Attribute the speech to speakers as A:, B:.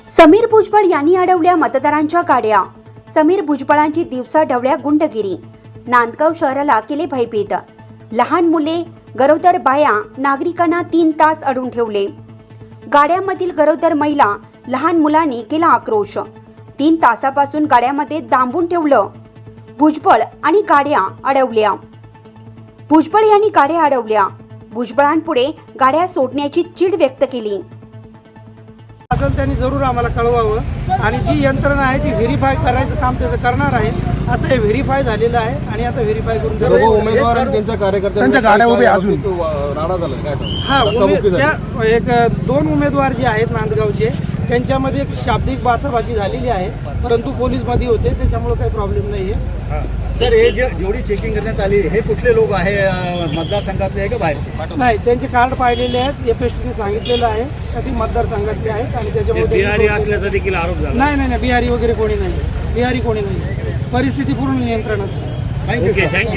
A: समीर भुजबळ यांनी अडवल्या मतदारांच्या गाड्या। समीर भुजबळांची दिवसा ढवळ्या गुंडगिरी। नांदगाव शहराला केले भयभीत। लहान मुले, गरोदर बाया, नागरिकांना 3 तास अडवून ठेवले। गाड्यामधील गरोदर महिला, लहान मुलांनी केला आक्रोश। 3 तासापासून गाड्यामध्ये दांबून ठेवलं। भुजबळ आणि गाड्या अडवल्या। भुजबळ यांनी गाड्या अडवल्या। भुजबळांपुढे गाड्या सोडण्याची चीड व्यक्त केली।
B: असेल त्यांनी जरूर आम्हाला कळवावं आणि जी यंत्रणा आहे ती व्हेरीफाय करायचं काम त्याचं करणार आहे। आता हे व्हेरीफाय झालेलं आहे आणि आता व्हेरीफाय करून
C: सर्व उमेदवार आणि त्यांच्या कार्यकर्त्यांच्या गाड्या उभे अजून राडा झाला काय
B: त्या एक 2 उमेदवार जे आहेत नांदगावचे त्यांच्यामध्ये एक शाब्दिक बाचाबाची झालेली आहे, परंतु पोलीसमध्ये होते त्याच्यामुळे काही प्रॉब्लेम नाही आहे।
D: सर हे जेवढी चेकिंग करण्यात आली हे कुठले लोक आहे, मतदारसंघातले आहे का बाहेरचे?
B: नाही, त्यांचे कार्ड पाहिलेले आहेत। एफएसटीने सांगितलेलं आहे का ती मतदारसंघातले आहेत आणि त्याच्यामुळे
E: बिहारी असल्याचा देखील आरोप झाला।
B: नाही, बिहारी वगैरे कोणी नाही, बिहारी कोणी नाही। परिस्थिती पूर्ण नियंत्रणात आहे।
D: थँक्यू।